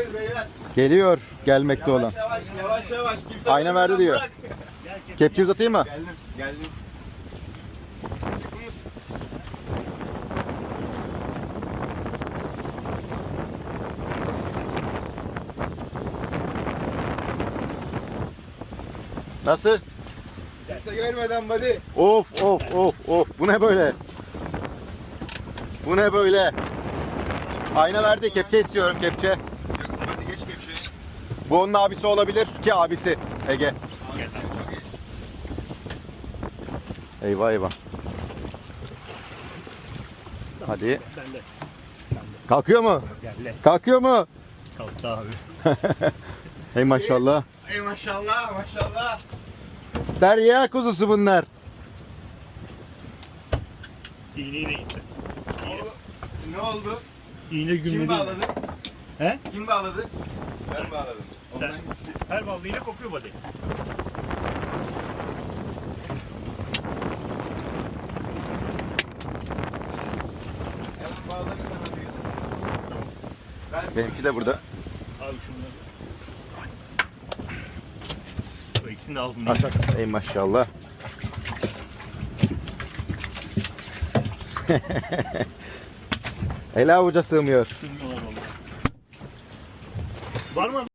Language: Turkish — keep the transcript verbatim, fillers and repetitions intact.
Geliyor beyler. Geliyor gelmekte olan. Yavaş yavaş yavaş. Kimse Ayna verdi diyor. bırak. Kepçe uzatayım mı? Geldim geldim. Çıkınız. Nasıl? Kimse görmeden buddy. Of of of of. Bu ne böyle? Bu ne böyle? Ayna verdi. Kepçe istiyorum kepçe. Yakın buddy geç kepçeyi. Bu onun abisi olabilir ki abisi. Ege. Abi, çok iyi. Eyvah eyvah. Hadi. Ben de. Kalkıyor mu? Geldi. Kalkıyor mu? Kalktı abi. Hey maşallah. Ey maşallah maşallah. Derya kuzusu bunlar. İğneyle gitti. O, ne oldu? İğne gümrüğü. Kim bağladı? He? Kim bağladı? Ben bağladım. Sen. Ondan gitti. Her ballı iğne kopuyor body. Hemen bağladım hemen diyor. Ben Benimki de burada. Abi şunları. Bu ikisini de ağzında. Aç aç. Ey maşallah. El avuca sığmıyor. Sığmıyorlar vallahi. Var mı?